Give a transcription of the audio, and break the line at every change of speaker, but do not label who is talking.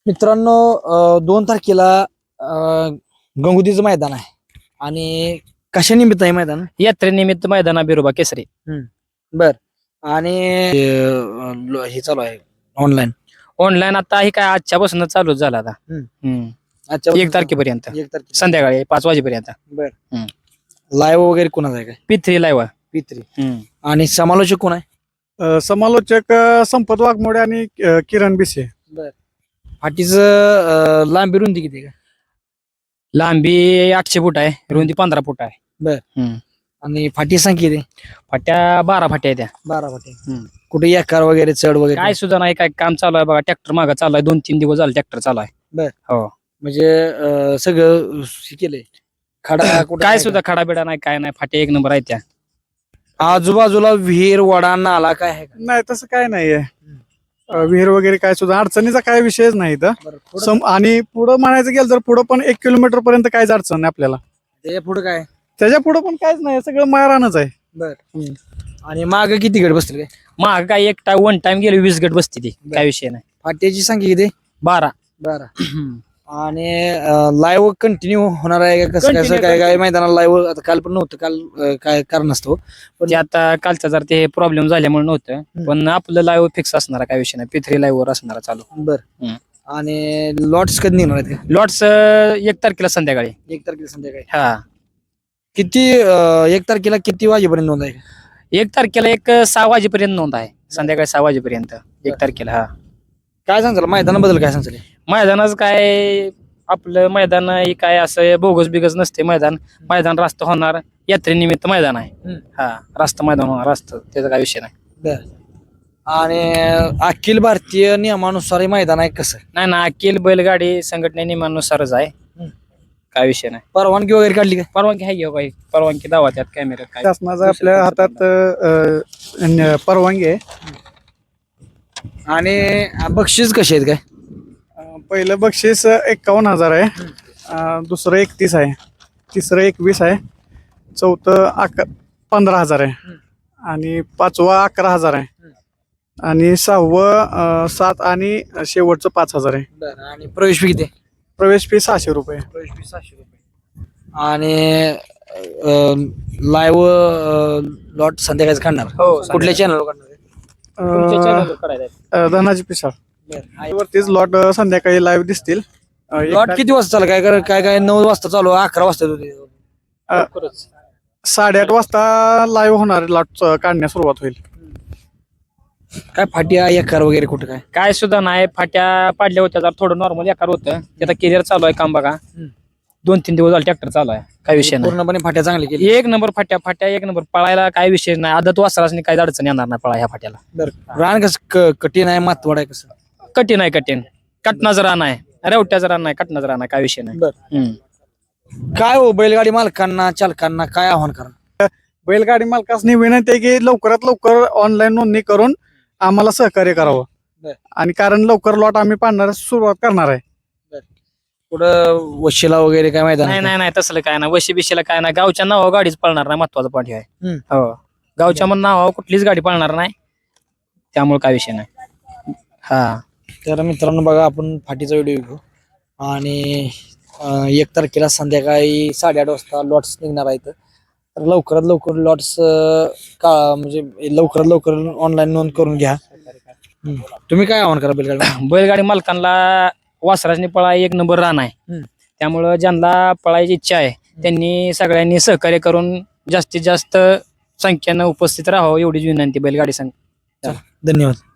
मित्रांनो 2 तारखेला गंगोतीचं मैदान आहे आणि कशा निमित्त आहे मैदान?
यात्रेनिमित्त मैदाना बिरोबा केसरी.
बर. आणि हे चालू आहे ऑनलाईन.
ऑनलाईन आता हे काय आजच्यापासून चालू झाला आता.
अच्छा
1 तारखेपर्यंत
1 तारखेला.
संध्याकाळी 5 वाजेपर्यंत.
बर. लाईव्ह वगैरे कोणाचा आहे काय?
P3 live.
P3. आणि समालोचक कोण आहे?
समालोचक संपत वाघमोडे आणि किरण बिसे.
बर. फाटीचं लांबी रुंदी किती आहे का?
लांबी 800 फूट आहे, रुंदी 15 फूट आहे.
बर. आणि फाटी संख्या किती?
फाट्या 12 फाट्या आहेत त्या.
12 फाटी. कुठे एकार वगैरे चढ वगैरे
काय सुद्धा नाही, काय काम चालू आहे बघा. ट्रॅक्टर मागा चालू आहे, 2-3 दिवस झाले ट्रॅक्टर चालू आहे.
बर.
हो.
म्हणजे सगळं हे केलंय खडा कुठं
काय
आहे
सुद्धा खडाबिडा नाही, काय नाही. फाट्या 1 नंबर आहेत त्या.
का? आजूबाजूला विहीर वडा नाला काय आहे का?
नाही तसं काय नाहीये. विहीर वगैरे काय सुद्धा अडचणीचा काय विषयच नाही इथं.
बरं, पुढं?
आणि पुढं म्हणायचं गेलं तर पुढं पण 1 किलोमीटर पर्यंत काहीच अडचण नाही आपल्याला.
त्याच्या पुढे काय?
त्याच्या पुढं पण काहीच नाही, सगळं मारानच आहे.
बर. आणि माग किती गट बसतील काय?
माग काय एक टाइम 1 टाइम गेले 20 गट बसते ती, काय विषय नाही.
फाट्याची संख्या किती?
12.
12. आणि लाईव्ह कंटिन्यू होणार आहे का? कसं
Continue,
काय काय मैदानाला लाईव्ह आता काल पण नव्हतं, काल काय कारण असतो
ते आता कालचा जर ते प्रॉब्लेम झाल्यामुळे नव्हतं, पण आपलं लाईव्ह फिक्स असणार, काय विषय नाही. P3 लाईव्ह वर असणार चालू.
बर. आणि लॉट्स कधी निघणार आहेत का?
लॉट्स 1 तारखेला संध्याकाळी.
1 तारखेला संध्याकाळी.
हा.
किती 1 तारखेला किती वाजेपर्यंत नोंद आहे?
1 तारखेला 6 वाजेपर्यंत नोंद आहे, संध्याकाळी 6 वाजेपर्यंत 1 तारखेला. हा.
काय सांगाल मैदानाबद्दल? काय सांगाल?
मैदानाच काय, आपलं मैदान हे काय असं बोगस बिगस नसते. मैदान रास्त होणार, यात्रेनिमित्त मैदान आहे. हा, रास्त मैदान होणार, रास्त, त्याचा काय विषय नाही.
बर. आणि अखिल भारतीय नियमानुसार हे मैदान आहे कसं?
नाही ना, अखिल बैलगाडी संघटने नियमानुसारच आहे, काय विषय नाही.
परवानगी वगैरे काढली का?
परवानगी आहे घेऊ, काही परवानगी दावा त्यात कॅमेऱ्यात काय.
शासनाचा आपल्या हातात परवानगी आहे.
आणि बक्षीस कसे आहेत काय?
पहिलं बक्षीस 51,000 आहे, दुसरं 31 आहे, तिसरं 21 आहे, चौथं 15,000 आहे, आणि 5वं 11,000 आहे, आणि 6वं 7 आणि शेवटचं 5,000 आहे.
बरं. आणि प्रवेश फी किती?
प्रवेश फी 600 रुपये.
प्रवेश फी 600 रुपये. आणि लाईव्ह लॉट संध्याकाळी काढणार?
हो,
कुठल्या चॅनल काढणार?
तुमच्या channel वर काढायचं आहे.
धनाजी पिसाळ वरतीच लॉट संध्याकाळी लाईव्ह दिसतील.
लॉट किती वाजता चालू? काय काय 9 वाजता चालू, 11 वाजता होते?
लवकरच.
8:30 वाजता लाईव्ह होणार, लॉट काढण्यास सुरुवात होईल.
काय फाट्या एकार वगैरे कुठं काय?
काय सुद्धा नाही. फाट्या पाडल्या होत्या, जरा थोडं नॉर्मल एकार होतं. त्याचा कॅरियर चालू आहे काम बघा. 2-3 दिवस झाले ट्रॅक्टर चालू आहे, काय विषय नाही.
पूर्णपणे फाट्या चांगली केली.
1 नंबर फाट्या 1 नंबर. पळायला काय विषय नाही. आदत वासरासनी काही अडचण येणार नाही पळा ह्या फाट्याला.
बरं. रान कसं कठीण आहे, मातवड आहे कसं?
कठीण आहे, कठीण. कटनाचं रान आहे, रेवट्याचं रान नाही, कटनाचं रान आहे, काय विषय नाही.
बरं. काय हो बैलगाडी मालकांना चालकांना काय आव्हान करा?
बैलगाडी मालकांनी विनंती आहे की लवकरात लवकर ऑनलाईन नोंदणी करून आम्हाला सहकार्य करावं.
बर.
आणि कारण लवकर लॉट आम्ही पाडण्यास सुरुवात करणार आहे.
पुढं वशिला वगैरे काय मैदान आहे
नाही नाही तसलं काय नाही. वशी बिशीला काय नाही. गावच्या नावावर गाडीच पळणार नाही, महत्वाचं पॉईंट आहे.
का?
हो, गावच्या नावावर कुठलीच गाडी पळणार नाही, त्यामुळे काय विषय नाही. हा.
तर मित्रांनो बघा, आपण फाटीचा व्हिडिओ घेऊ आणि 1 तारखेला संध्याकाळी 8:30 वाजता लॉट्स निघणार आहेत. तर लवकरात लवकर लॉट्स म्हणजे लवकरात लवकर ऑनलाईन नोंद करून घ्या. तुम्ही काय आव्हान करा बैलगाडी?
बैलगाडी मालकांना वासराजनी पळा 1 नंबर रान आहे, त्यामुळं ज्यांना पळायची इच्छा आहे त्यांनी सगळ्यांनी सहकार्य करून जास्तीत जास्त संख्येनं उपस्थित राहावं, एवढीच विनंती बैलगाडी संघ.
धन्यवाद.